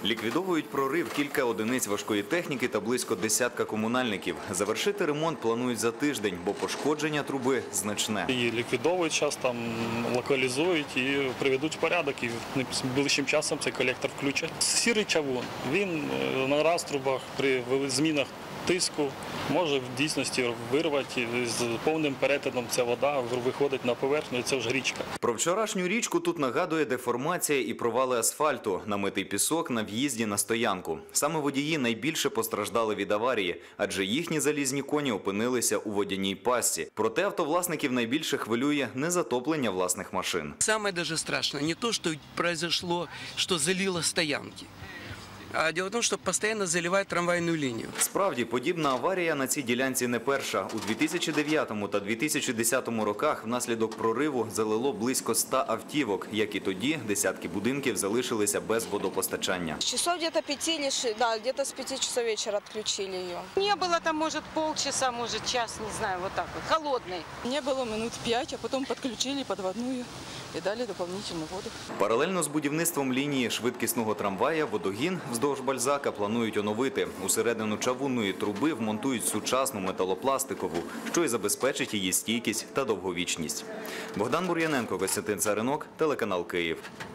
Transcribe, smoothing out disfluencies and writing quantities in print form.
Ліквідовують прорив кілька одиниць важкої техніки та близько десятка комунальників. Завершити ремонт планують за тиждень, бо пошкодження труби значне. Її ліквідовують, зараз там локалізують і приведуть в порядок. І найближчим часом цей колектор включать. Сірий чавун, він на раструбах при змінах тиску може в дійсності вирвати, з повним перетином ця вода виходить на поверхню, і це вже річка. Про вчорашню річку тут нагадує деформація і провали асфальту, намитий пісок на в'їзді на стоянку. Саме водії найбільше постраждали від аварії, адже їхні залізні коні опинилися у водяній пастці. Проте автовласників найбільше хвилює не затоплення власних машин. Саме даже страшно не то, що произошло, що залило стоянки. А дело в тому, що постійно заливають трамвайну лінію. Справді, подібна аварія на цій ділянці не перша. У 2009 та 2010 роках внаслідок прориву залило близько 100 автівок, як і тоді десятки будинків залишилися без водопостачання. Часов где-то 5 или 6, да, где-то с 5 часов вечера отключили ее. Не было там, может, полчаса, может, час, не знаю, вот так вот, холодной. Не было минут 5, а потом подключили подводную и дали дополнительную воду. Паралельно з будівництвом лінії швидкісного трамвая водогін вздовж Бальзака планують оновити. Усередину чавунної труби вмонтують сучасну металопластикову, що й забезпечить її стійкість та довговічність. Богдан Бур'яненко, Костянтин Царинок, телеканал Київ.